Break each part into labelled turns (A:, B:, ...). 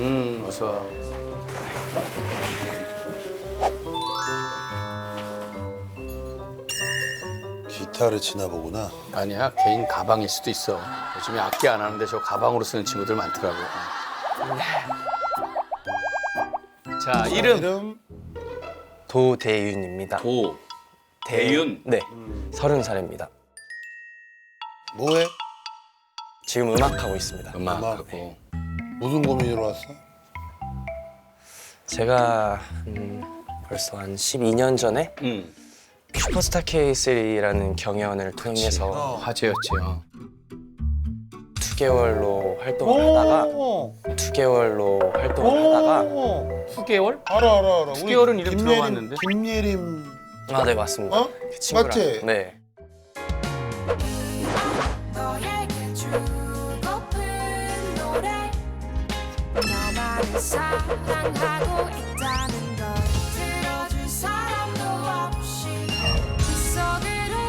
A: 어서 와.
B: 기타를 치나 보구나.
A: 아니야, 개인 가방일 수도 있어. 요즘에 악기 안 하는데 저 가방으로 쓰는 친구들 많더라고. 자, 이름.
C: 도대윤입니다.
A: 대윤.
C: 네, 30살입니다.
B: 뭐해?
C: 지금 음악하고 있습니다.
A: 음악하고.
B: 무슨 고민으로 왔어?
C: 제가 벌써 한 12년 전에 슈퍼스타 K3라는 경연을 통해서
A: 화제였지.
C: 2개월로 활동을 하다가 2개월로 활동을 하다가
A: 수개월?
B: 알아.
A: 수개월은
B: 우리
A: 이름
B: 김예림,
A: 들어봤는데.
B: 김예림.
C: 아, 네, 맞습니다.
B: 어?
C: 그 친구랑
B: 맞지?
C: 네.
D: 너에게 주고픈 노래 너만을 사랑하고 있다는 걸 들어줄 사람도 없이 그 속으로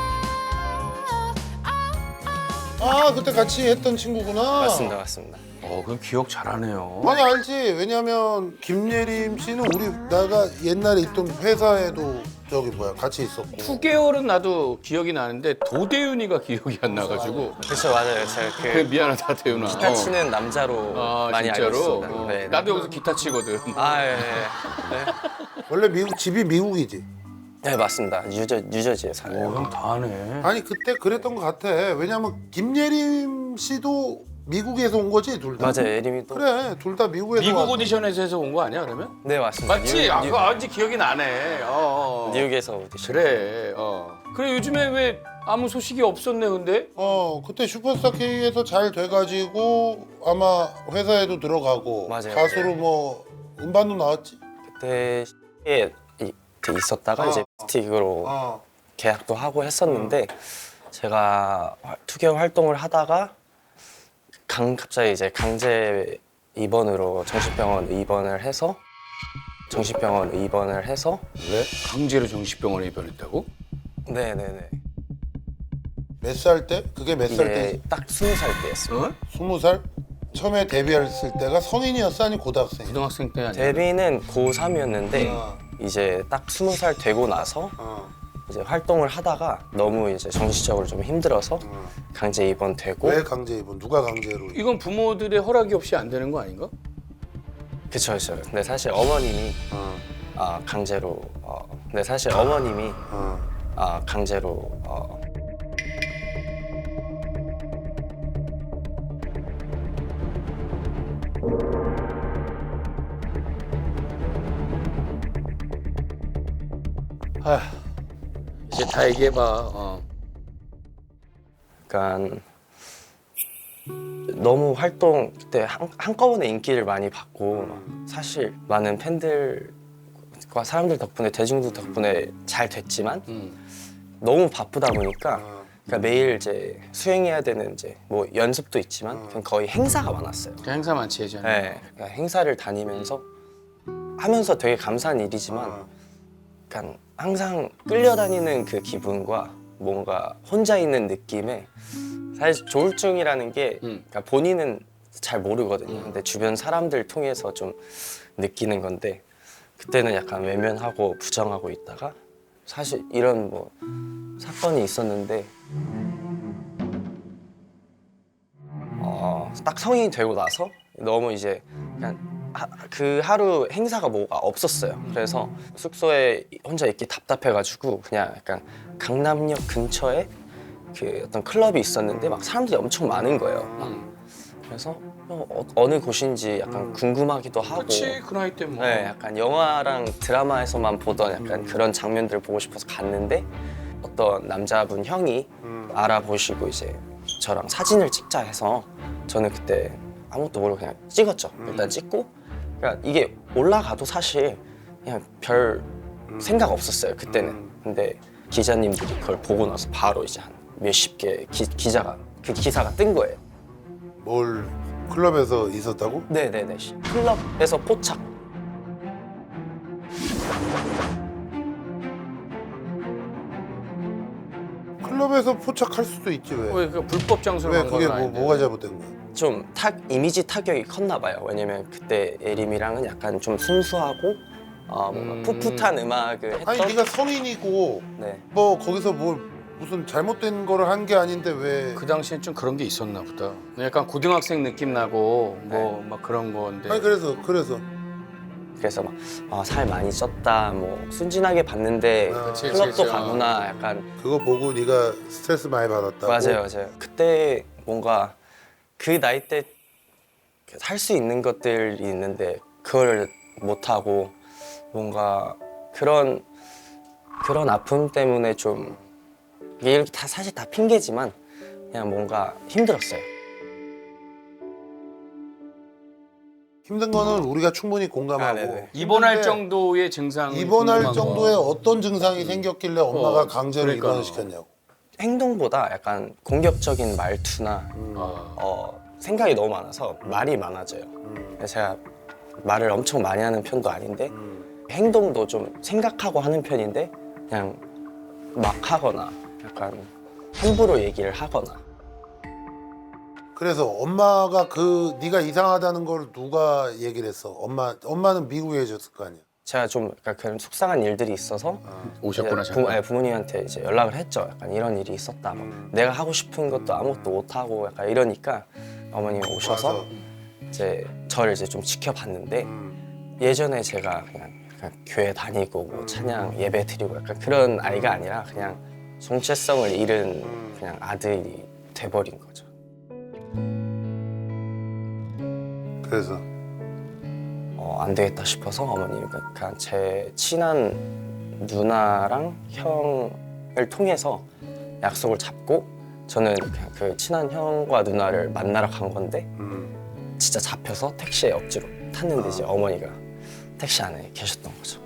B: 아, 그때 같이 했던 친구구나.
C: 맞습니다.
A: 그럼 기억 잘하네요.
B: 아니, 알지. 왜냐면 김예림 씨는 내가 옛날에 있던 회사에도 같이 있었고.
A: 수개월은 나도 기억이 나는데 도대윤이가 기억이 안 나가지고.
C: 그렇죠, 맞아요. 제가
A: 그래, 미안하다, 대윤아.
C: 기타 치는 남자로 많이 알고
A: 진짜로?
C: 있습니다. 네.
A: 나도 여기서 기타 치거든.
C: 아, 예.
B: 원래 집이 미국이지.
C: 네, 맞습니다. 뉴저지에 살아요.
A: 형 다 하네.
B: 아니, 그때 그랬던 것 같아. 왜냐면 김예림 씨도 미국에서 온 거지, 둘 다.
C: 맞아요, 예림이 또.
B: 그래, 둘 다 미국에서
A: 미국
B: 왔어.
A: 오디션에서 해서 온 거 아니야, 그러면?
C: 네, 맞습니다.
A: 맞지? 그거 왠지 기억이 나네.
C: 뉴욕에서 오디션.
A: 그래, 그래, 요즘에 왜 아무 소식이 없었네, 근데?
B: 그때 슈퍼스타 K에서 잘 돼가지고 아마 회사에도 들어가고
C: 맞아요.
B: 가수로 뭐 음반도 나왔지.
C: 그때 있었다가 이제 스틱으로 계약도 하고 했었는데 제가 2개월 활동을 하다가 갑자기 이제 강제 입원으로 정신병원 입원을 해서
A: 왜? 강제로 정신병원에 입원했다고?
C: 네네네.
B: 몇 살 때? 그게 몇 살
C: 이게
B: 때?
C: 딱 20살 때였어요.
B: 20살? 처음에 데뷔했을 때가 성인이었어, 아니 고등학생?
A: 고등학생 때 아니야?
C: 데뷔는 고3이었는데 이제 딱 20살 되고 나서 이제 활동을 하다가 너무 이제 정신적으로 좀 힘들어서 강제 입원되고.
B: 왜 강제 입원? 누가 강제로?
A: 이건 부모들의 허락이 없이 안 되는 거 아닌가?
C: 그쵸. 근데 사실 어머님이 강제로 강제로
A: 이제 다 얘기해봐.
C: 그러니까 너무 활동 그때 한꺼번에 인기를 많이 받고 사실 많은 팬들과 사람들 덕분에 대중들 덕분에 잘 됐지만 너무 바쁘다 보니까 그러니까 매일 이제 수행해야 되는 이제 뭐 연습도 있지만 그냥 거의 행사가 많았어요.
A: 그 행사 많지, 예전에.
C: 네, 그러니까 행사를 다니면서 하면서 되게 감사한 일이지만 그러니까 항상 끌려다니는 그 기분과 뭔가 혼자 있는 느낌에 사실 조울증이라는 게 그러니까 본인은 잘 모르거든요. 근데 주변 사람들 통해서 좀 느끼는 건데 그때는 약간 외면하고 부정하고 있다가 사실 이런 뭐 사건이 있었는데 딱 성인이 되고 나서 너무 이제 그냥 그 하루 행사가 뭐가 없었어요. 그래서 숙소에 혼자 있기 답답해가지고 그냥 약간 강남역 근처에 그 어떤 클럽이 있었는데 막 사람들이 엄청 많은 거예요. 그래서 어느 곳인지 약간 궁금하기도 하고.
A: 그렇지, 그 나이 때 뭐.
C: 네, 약간 영화랑 드라마에서만 보던 약간 그런 장면들을 보고 싶어서 갔는데 어떤 남자분 형이 알아보시고 이제 저랑 사진을 찍자 해서 저는 그때 아무것도 모르고 그냥 찍었죠. 일단 찍고 그러니까 이게 올라가도 사실 그냥 별 생각 없었어요 그때는. 근데 기자님들이 그걸 보고 나서 바로 이제 한 몇십 개 기사가 뜬 거예요.
B: 뭘 클럽에서 있었다고?
C: 네네네. 클럽에서 포착.
B: 클럽에서 포착할 수도 있지 왜?
A: 왜 그 불법 장소로
B: 왜
A: 간
B: 그게
A: 건 아닌데.
B: 뭐가 잘못된 거야?
C: 좀 이미지 타격이 컸나 봐요. 왜냐면 그때 예림이랑은 약간 좀 순수하고 뭔가 풋풋한 음악을 했던.
B: 아니 네가 성인이고
C: 네.
B: 뭐 거기서 뭘 무슨 잘못된 거를 한 게 아닌데 왜?
A: 그 당시엔 좀 그런 게 있었나 보다. 약간 고등학생 느낌 나고 뭐 막 그런 건데.
B: 아니 그래서
C: 그래서 막 살 많이 쪘다, 뭐 순진하게 봤는데
B: 그치,
C: 클럽도
A: 그치.
C: 가구나, 약간.
B: 그거 보고 네가 스트레스 많이 받았다고.
C: 맞아요. 그때 뭔가 그 나이 때 할 수 있는 것들이 있는데 그걸 못 하고 뭔가 그런 아픔 때문에 좀 이게 이렇게 다 사실 다 핑계지만 그냥 뭔가 힘들었어요.
B: 힘든 거는 우리가 충분히 공감하고.
C: 네네.
A: 입원할
B: 힘든데
A: 정도의 증상.
B: 입원할 정도의 어떤 증상이 생겼길래 엄마가 강제로
A: 그러니까.
B: 입원을 시켰냐고.
C: 행동보다 약간 공격적인 말투나
A: 아.
C: 생각이 너무 많아서 말이 많아져요. 그래서 제가 말을 엄청 많이 하는 편도 아닌데 행동도 좀 생각하고 하는 편인데 그냥 막 하거나 약간 함부로 얘기를 하거나.
B: 그래서 엄마가 네가 이상하다는 걸 누가 얘기를 했어? 엄마는 미국에 계셨을 거 아니야.
C: 제가 좀 약간 그런 속상한 일들이 있어서
A: 오셨구나
C: 이제
A: 잠깐.
C: 부모님한테 이제 연락을 했죠. 약간 이런 일이 있었다. 막 내가 하고 싶은 것도 아무것도 못 하고 약간 이러니까 어머님이 오셔서
B: 와서.
C: 이제 저를 이제 좀 지켜봤는데 예전에 제가 그냥 약간 교회 다니고 뭐 찬양 예배 드리고 약간 그런 아이가 아니라 그냥 정체성을 잃은 그냥 아들이 돼버린 거죠.
B: 그래서
C: 안 되겠다 싶어서 어머니가 그냥 제 친한 누나랑 형을 통해서 약속을 잡고 저는 그냥 그 친한 형과 누나를 만나러 간 건데 진짜 잡혀서 택시에 억지로 탔는데 이제 어머니가 택시 안에 계셨던 거죠.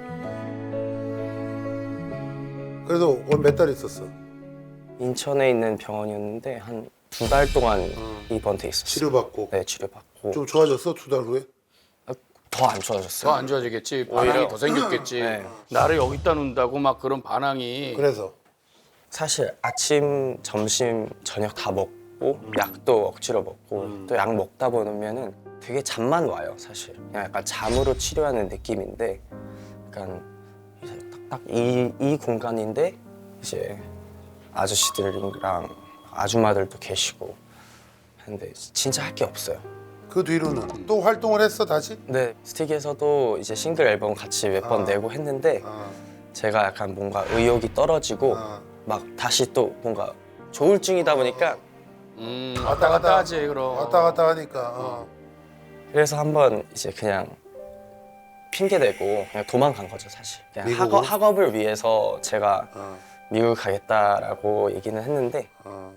B: 그래서 몇 달 있었어?
C: 인천에 있는 병원이었는데 한 2달 동안 입원돼 있었어요.
B: 치료받고.
C: 네, 치료받고.
B: 좀 좋아졌어? 2달 후에?
C: 더 안 좋아졌어요.
A: 더 안 좋아지겠지. 반항이
C: 오히려.
A: 더 생겼겠지.
C: 네.
A: 나를 여기다 놓는다고 막 그런 반항이.
B: 그래서
C: 사실 아침, 점심, 저녁 다 먹고 약도 억지로 먹고 또 약 먹다 보면은 되게 잠만 와요, 사실. 그냥 약간 잠으로 치료하는 느낌인데 약간 딱 이 공간인데 이제 아저씨들이랑 아줌마들도 계시고 하는데 진짜 할 게 없어요.
B: 그 뒤로는 또 활동을 했어 다시?
C: 근데 스틱에서도 이제 싱글 앨범 같이 몇 번 내고 했는데 제가 약간 뭔가 의욕이 떨어지고 막 다시 또 뭔가 조울증이다 보니까
A: 왔다 갔다 하지 그럼.
B: 왔다 갔다 하니까.
C: 그래서 한번 이제 그냥 핑계 대고 그냥 도망간 거죠, 사실. 그냥
B: 미국으로?
C: 학업을 위해서 제가 미국 가겠다라고 얘기는 했는데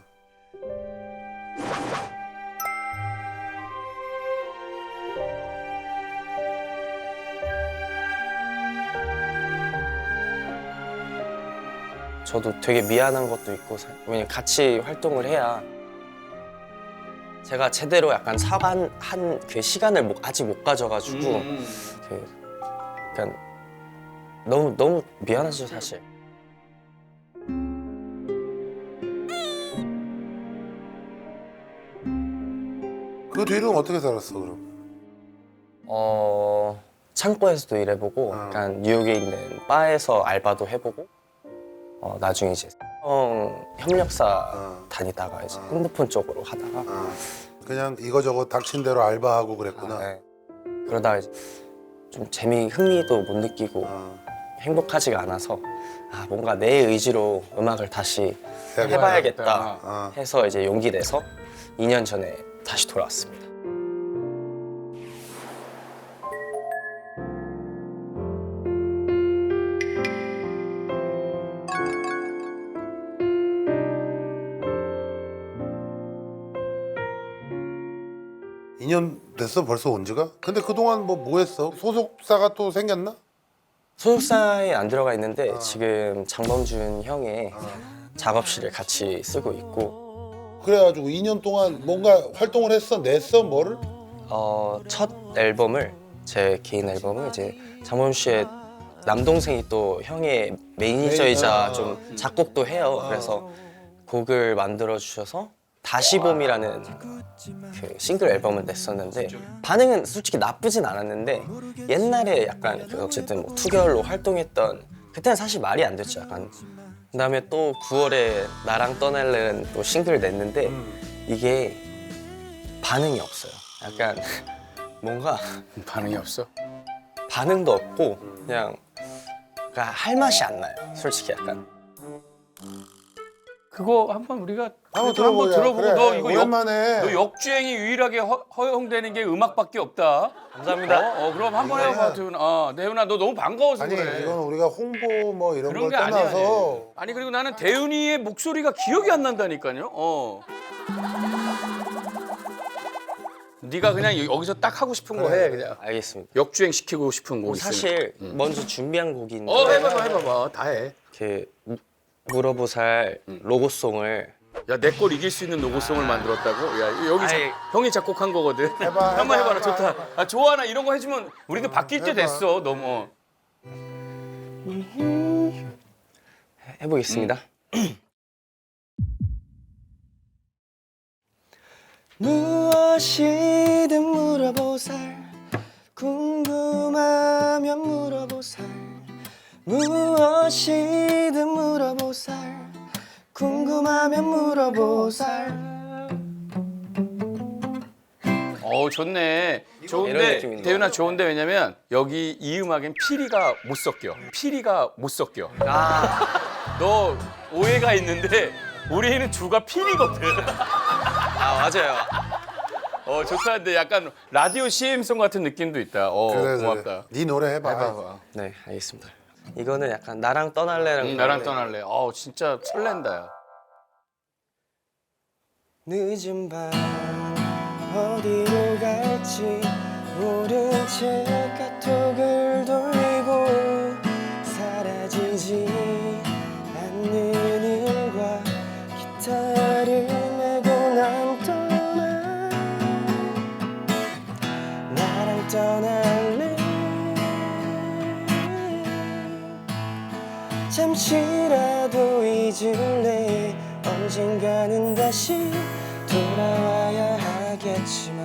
C: 저도 되게 미안한 것도 있고 왜냐면 같이 활동을 해야 제가 제대로 약간 사과한 그 시간을 아직 못 가져가지고 그 약간 너무 미안하죠, 사실.
B: 그 뒤로는 어떻게 살았어 그럼?
C: 창고에서도 일해보고 약간 뉴욕에 있는 바에서 알바도 해보고 나중에 이제 협력사 다니다가 이제 핸드폰 쪽으로 하다가
B: 그냥 이거저거 닥친 대로 알바하고 그랬구나.
C: 네. 그러다가 이제 좀 흥미도 못 느끼고 행복하지가 않아서 뭔가 내 의지로 음악을 다시 해봐야겠다 해서 이제 용기 내서 2년 전에 다시 돌아왔습니다.
B: 이 년 됐어 벌써 온 지가? 근데 그동안 뭐 했어? 소속사가 또 생겼나?
C: 소속사에 안 들어가 있는데 지금 장범준 형의 작업실을 같이 쓰고 있고
B: 그래가지고 2년 동안 뭔가 활동을 했어? 냈어? 뭐를?
C: 첫 앨범을 제 개인 앨범을 이제 장범준 씨의 남동생이 또 형의 매니저이자 좀 작곡도 해요. 그래서 곡을 만들어 주셔서 다시 봄이라는 그 싱글 앨범을 냈었는데 반응은 솔직히 나쁘진 않았는데 옛날에 약간 그 어쨌든 뭐 투결로 활동했던 그때는 사실 말이 안 됐죠 약간. 그다음에 또 9월에 나랑 떠날래는 또 싱글 냈는데 이게 반응이 없어요. 약간 뭔가
A: 반응이 없어?
C: 반응도 없고 그냥 할 맛이 안 나요. 솔직히 약간.
A: 그거 한번 우리가
B: 한번
A: 그래도 한번
B: 들어보자.
A: 들어보고
B: 그래,
A: 너 이거
B: 오랜만에.
A: 너 역주행이 유일하게 허용되는 게 음악밖에 없다.
C: 감사합니다.
A: 그럼 한번 해봐, 대훈아. 대훈아, 너 너무 반가워서
B: 아니
A: 그래.
B: 이건 우리가 홍보 뭐 이런
A: 그런
B: 걸
A: 게 아니야.
B: 떠나서
A: 아니 그리고 나는 대훈이의 목소리가 기억이 안 난다니까요. 네가 그냥 여기서 딱 하고 싶은 거 해, 그냥.
C: 알겠습니다.
A: 역주행 시키고 싶은 곡 있으면.
C: 사실 먼저 준비한 곡이 있는데
A: 해봐봐, 다 해.
C: 그 물어보살 로고송을
A: 야, 내 걸 이길 수 있는 로고송을 만들었다고? 야, 여기
C: 아이.
A: 형이 작곡한 거거든.
B: 해봐,
A: 한번
B: 해봐,
A: 해봐라, 좋다. 아, 좋아하나 이런 거 해주면 우리도 바뀔 때
B: 해봐.
A: 됐어, 너무.
C: 해보겠습니다. 무엇이든 물어보살 궁금하면 물어보살 무엇이든 물어보살 궁금하면 물어보살.
A: 좋네.
C: 이런
A: 좋은데,
C: 느낌인데.
A: 대윤아 좋은데 왜냐면 여기 이 음악엔 피리가 못 섞여. 피리가 못 섞여. 너 오해가 있는데 우리는 주가 피리거든.
C: 맞아요.
A: 좋다. 근데 약간 라디오 CM송 같은 느낌도 있다. 고맙다.
B: 네 노래 해봐.
A: 해봐봐.
C: 네, 알겠습니다. 이거는 약간 나랑 떠날래랑
A: 나랑 떠날래. 진짜 설렌다. 야.
C: 늦은 밤 어디로 갈지 모른 채 카톡을 돌리고 사라지지 않는 일과 기타를 메고 난 떠나 나랑 떠날래 잠시라도 잊을래 언젠가는 다시 돌아와야 하겠지만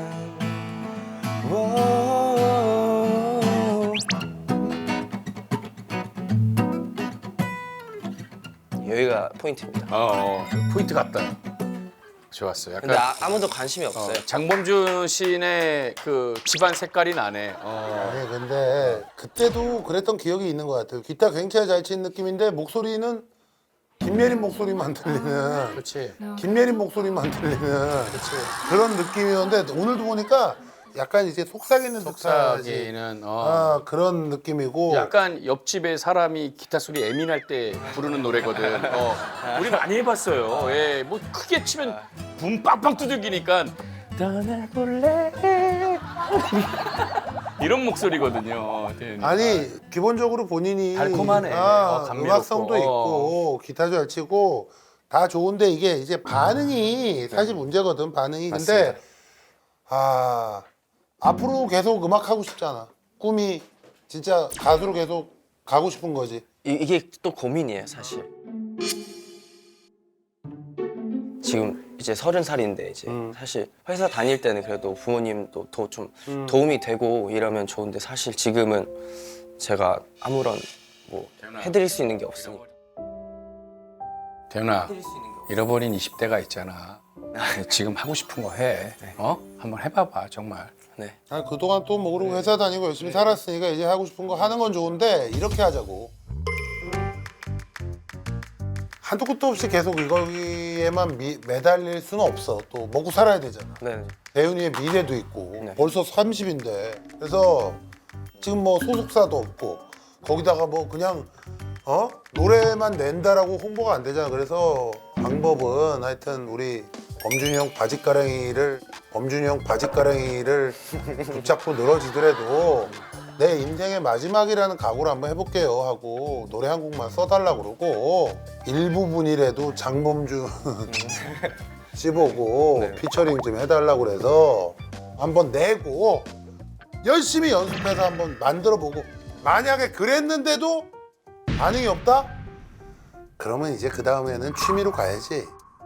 C: 여기가 포인트입니다.
A: 포인트 같다. 좋았어. 약간
C: 근데 아무도 관심이 없어요.
A: 장범준 씨의 그 집안 색깔이 나네.
B: 아니 근데 그때도 그랬던 기억이 있는 것 같아요. 기타 굉장히 잘 치는 느낌인데 목소리는 김예림 목소리만 들리는.
A: 그렇지.
B: 김예림 목소리만 들리는 그런 느낌이었는데 오늘도 보니까 약간 이제 속삭이는 듯하지.
A: 속삭이는
B: 그런 느낌이고.
A: 약간 옆집에 사람이 기타 소리 예민할 때 부르는 노래거든. 우리 많이 해봤어요. 예, 뭐 크게 치면 붐 빵빵 두들기니까 떠나볼래 이런 목소리거든요.
B: 아니 기본적으로 본인이
A: 달콤하네. 감미롭고.
B: 음악성도 있고 기타도 잘 치고 다 좋은데 이게 이제 반응이 사실 문제거든. 반응이. 근데 앞으로 계속 음악 하고 싶잖아. 꿈이 진짜 가수로 계속 가고 싶은 거지.
C: 이게 또 고민이에요, 사실. 지금 이제 30살인데 이제 사실 회사 다닐 때는 그래도 부모님도 더 좀 도움이 되고 이러면 좋은데 사실 지금은 제가 아무런 뭐 해드릴 수 있는 게 없으니까.
A: 대훈아, 잃어버린 20대가 있잖아. 지금 하고 싶은 거 해. 한번 해봐봐, 정말.
C: 네.
B: 아니, 그동안 또 뭐 그러고 회사 다니고 열심히 살았으니까 이제 하고 싶은 거 하는 건 좋은데 이렇게 하자고. 한도 끝도 없이 계속 이거에만 매달릴 수는 없어. 또 먹고 살아야 되잖아.
C: 네.
B: 대윤이의 미래도 있고
C: 네.
B: 벌써 30인데 그래서 지금 뭐 소속사도 없고 거기다가 뭐 그냥 노래만 낸다라고 홍보가 안 되잖아. 그래서 방법은 하여튼 우리 범준이 형 바짓가랑이를 붙잡고 늘어지더라도 내 인생의 마지막이라는 각오를 한번 해볼게요 하고 노래 한 곡만 써달라고 그러고 일부분이라도 장범준 씹어고
C: 네.
B: 피처링 좀 해달라고 그래서 한번 내고 열심히 연습해서 한번 만들어보고 만약에 그랬는데도 반응이 없다? 그러면 이제 그 다음에는 취미로 가야지.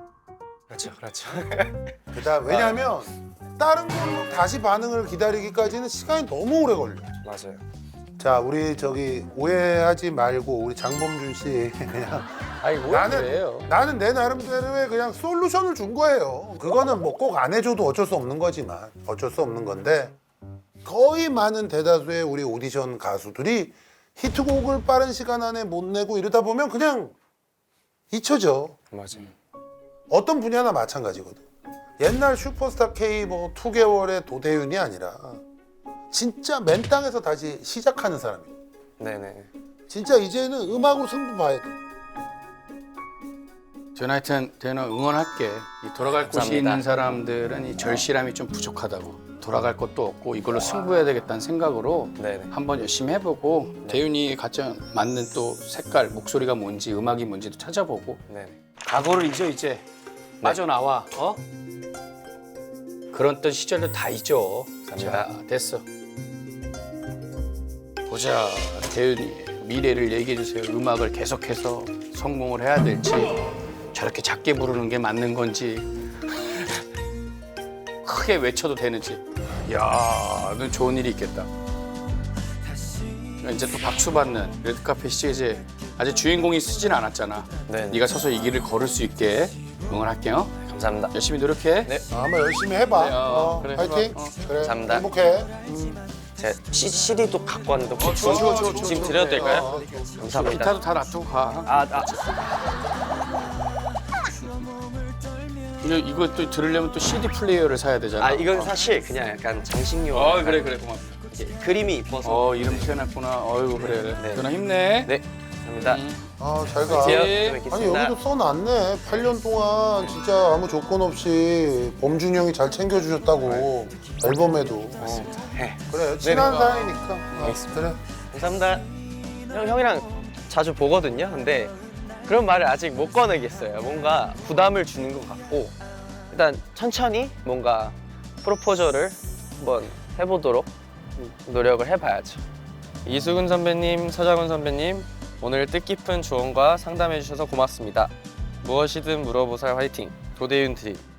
C: 그렇죠, 그렇죠.
B: 그다음 왜냐하면 다른 걸로 다시 반응을 기다리기까지는 시간이 너무 오래 걸려.
C: 맞아요.
B: 자, 우리 저기 오해하지 말고 우리 장범준 씨 그냥
A: 아이 뭐예요?
B: 나는 내 나름대로의 그냥 솔루션을 준 거예요. 그거는 뭐 꼭 안 해줘도 어쩔 수 없는 거지만 어쩔 수 없는 건데 거의 많은 대다수의 우리 오디션 가수들이 히트곡을 빠른 시간 안에 못 내고 이러다 보면 그냥 잊혀져.
C: 맞아요.
B: 어떤 분야나 마찬가지거든. 옛날 슈퍼스타 K 뭐 2개월의 도대윤이 아니라 진짜 맨 땅에서 다시 시작하는 사람이야.
C: 네네.
B: 진짜 이제는 음악으로 승부 봐야 돼.
A: 저는 하여튼 대현아 응원할게. 이 돌아갈 곳이
C: 감사합니다.
A: 있는 사람들은 이 절실함이 좀 부족하다고. 돌아갈 것도 없고 이걸로 승부해야 되겠다는 생각으로
C: 네네.
A: 한번 열심히 해보고 대윤이 가장 맞는 또 색깔, 목소리가 뭔지 음악이 뭔지도 찾아보고
C: 네네.
A: 과거를 잊어 이제 빠져나와. 어? 그런 떤 시절을 다 잊어. 자, 됐어. 보자, 대윤이 미래를 얘기해 주세요. 음악을 계속해서 성공을 해야 될지 저렇게 작게 부르는 게 맞는 건지 크게 외쳐도 되는지. 야, 넌 좋은 일이 있겠다. 이제 또 박수 받는 레드카펫 시리즈 아직 주인공이 쓰진 않았잖아.
C: 네.
A: 네가 서서 이 길을 걸을 수 있게 응원할게요.
C: 감사합니다.
A: 열심히 노력해.
C: 네.
B: 한번 열심히 해봐.
A: 그래, 그래,
B: 파이팅.
A: 해봐.
B: 그래.
C: 감사합니다.
B: 행복해.
C: 제가 CD도 갖고 왔는데 혹시
A: 줘.
C: 지금 드려도 될까요? 감사합니다.
A: 기타도 다 놔두고 가. 이거 또 들으려면 또 CD 플레이어를 사야 되잖아.
C: 이건 사실 그냥 약간 장식용.
A: 그래 고맙다.
C: 그림이 이뻐서.
A: 이름 표현했구나. 어이구 그래.
C: 네.
A: 누나 힘내.
C: 네. 감사합니다.
B: 잘 가.
C: 안녕.
A: 네.
C: 또
B: 아니
C: 뵙겠습니다.
B: 여기도 써놨네. 8년 동안 진짜 아무 조건 없이 범준이 형이 잘 챙겨주셨다고. 앨범에도.
C: 네.
B: 그래 친한
C: 네.
B: 사이니까.
C: 알겠습니다.
B: 그래.
C: 감사합니다. 형이랑 자주 보거든요. 근데 그런 말을 아직 못 꺼내겠어요. 뭔가 부담을 주는 것 같고 일단 천천히 뭔가 프로포저를 한번 해보도록 노력을 해봐야죠. 이수근 선배님, 서장훈 선배님 오늘 뜻깊은 조언과 상담해 주셔서 고맙습니다. 무엇이든 물어보살 화이팅! 도대윤 드림.